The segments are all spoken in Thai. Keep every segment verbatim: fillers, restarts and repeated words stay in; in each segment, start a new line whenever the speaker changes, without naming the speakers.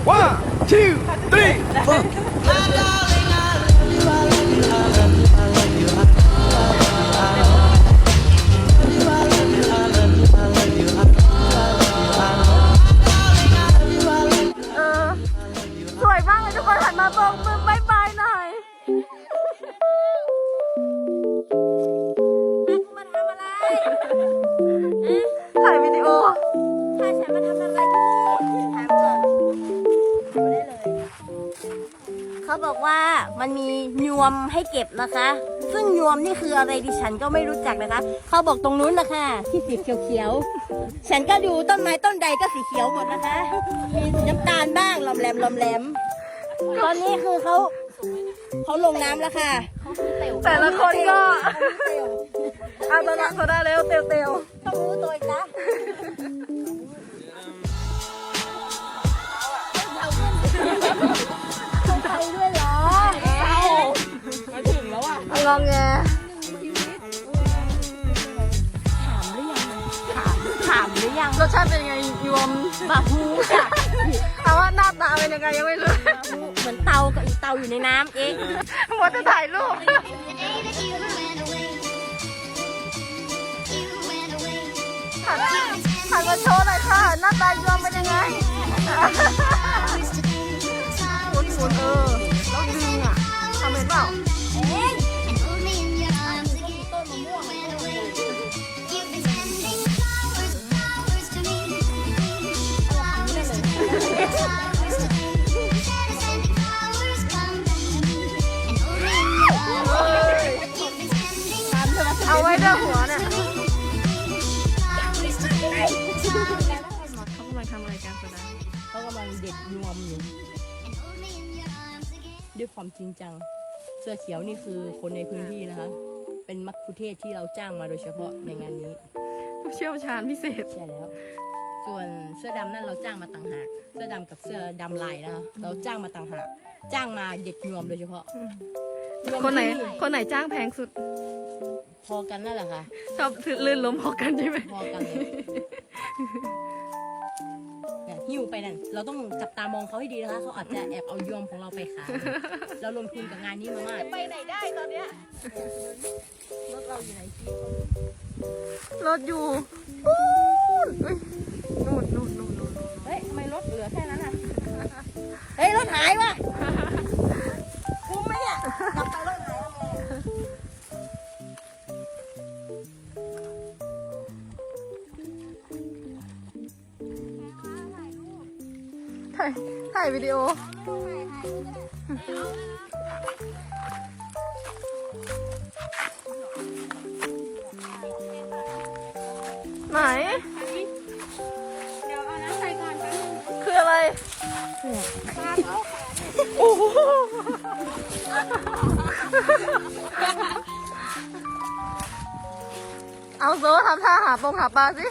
one two three four
เออสวยมากเลยทุกคนหันมาโบกมือบายบายหน่อยมาทำอะไรถ่ายวิดีโอถ่ายฉันมาทำอะไรที่นี่ถามก่อนดูได้เลยเขาบอกว่ามันมียวมให้เก็บนะคะ ซึ่งยวมนี่คืออะไรดิฉันก็ไม่รู้จักนะคะเขาบอกตรงนู้นนะคะที่สีเขียวๆฉันก็ดูต้นไม้ต้นใดก็สีเขียวหมดนะคะมีสีน้ำตาลบ้างลอมแหลมลอมแหลมตอนนี้คือเขาเขาลงน้ำแล้วค่ะแต่ละคนก็อาตนะเขาได้แล้วเตียวเตียวต้องรู้ตัวอีกนะต้องไปด้วยเหรอมาถึงแล้วอ่ะงองแงถามหรือยังถามถามหรือยังรสชาติเป็นยังไงยวมบาฮูจ้ะแต่ว่าหน้าตาเป็นยังไงยังไม่รู้เหมือนเตากับอีเตาอยู่ในน้ำเองหมดจะถ่ายรูปหันหันมาโชว์หน่อยค่ะหน้าตายวมเป็นยังไงหมุนหมุนเออแล้วดึงอ่ะทำเป็นเปล่าเอ๊ะเอาไว้ด้วยหัวเนี่ยเขากำลังทำอะไรกันคะเขากำลังเด็ดยวมอยู่ด้วยความจริงจังเสื้อเขียวนี่คือคนในพื้นที่นะคะเป็นมัคคุเทศก์ที่เราจ้างมาโดยเฉพาะในงานนี้ผู้เชี่ยวชาญพิเศษใช่แล้วส่วนเสื้อดำนั่นเราจ้างมาต่างหากเสื้อดำกับเสื้อดำลายนะคะเราจ้างมาต่างหากจ้างมาเด็ดยวมโดยเฉพาะคนไหนคนไหนจ้างแพงสุดพอกันนั่นแหละค่ะชอบลื่นล้มพอกันใช่ไหมพอกันเลยเนี่ยหิ้วไปนั่นเราต้องจับตามองเขาให้ดีนะคะเขาอาจจะแอบเอายวมของเราไปขายเราลงทุนกับงานนี้มามากไปไหนได้ตอนเนี้ยรถเราอยู่ไหนรถอยู่นู่นนู่นนู่นนู่นเฮ้ยทำไมรถเหลือแค่นั้นอ่ะเฮ้ยรถหายวะคุ้มไหมเนี่ยกลับไปรถหายถ่ายถ่ายวิดีโอไหนเดี๋ยวเอาน้ำใส่ก่อนแป๊บนึงคืออะไรโอ้โหเอาโซ่ทำท่าหาปงหาปลาสิ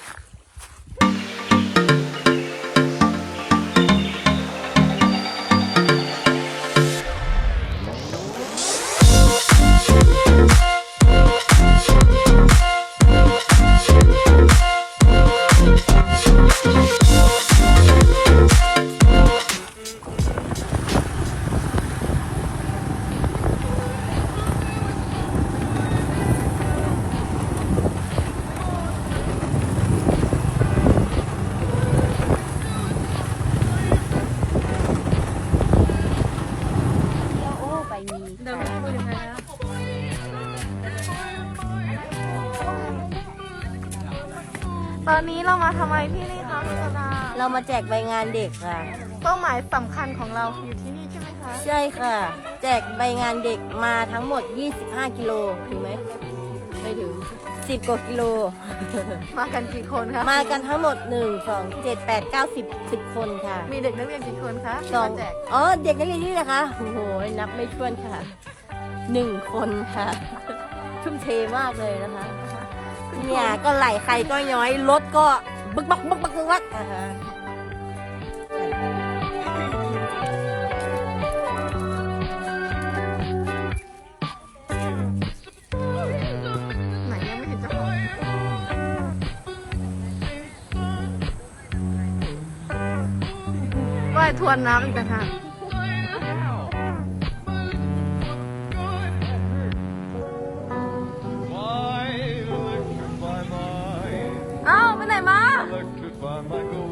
ตอนนี้เรามาทำอะไรที่นี่คะคุณธนาเรามาแจกใบงานเด็กค่ะเป้าหมายสำคัญของเราอยู่ที่นี่ใช่ไหมคะใช่ค่ะแจกใบงานเด็กมาทั้งหมดยี่สิบห้ากิโลถึงไหมไม่ถึงสิบกว่ากิโลมากันกี่คนคะมากันทั้งหมดหนึ่งสองเจ็ดแปดเก้าสิบสิบคนค่ะมีเด็กนักเรียนกี่คนคะสองอ๋อเด็กนักเรียนนี่นะคะโอ้โหนับไม่ถ้วนค่ะหนึ่งคนค่ะทุ่มเทมากเลยนะคะเนี่ยก็ไหลใครก็ย้อยรถก็บึกบักบึกบักบึกบักนะคะไหนยังไม่เห็นเจ้าของไหว
ว่ายทวนน้ำอีกต่างหากเอ้าไปไหนมา
Electrify my gold.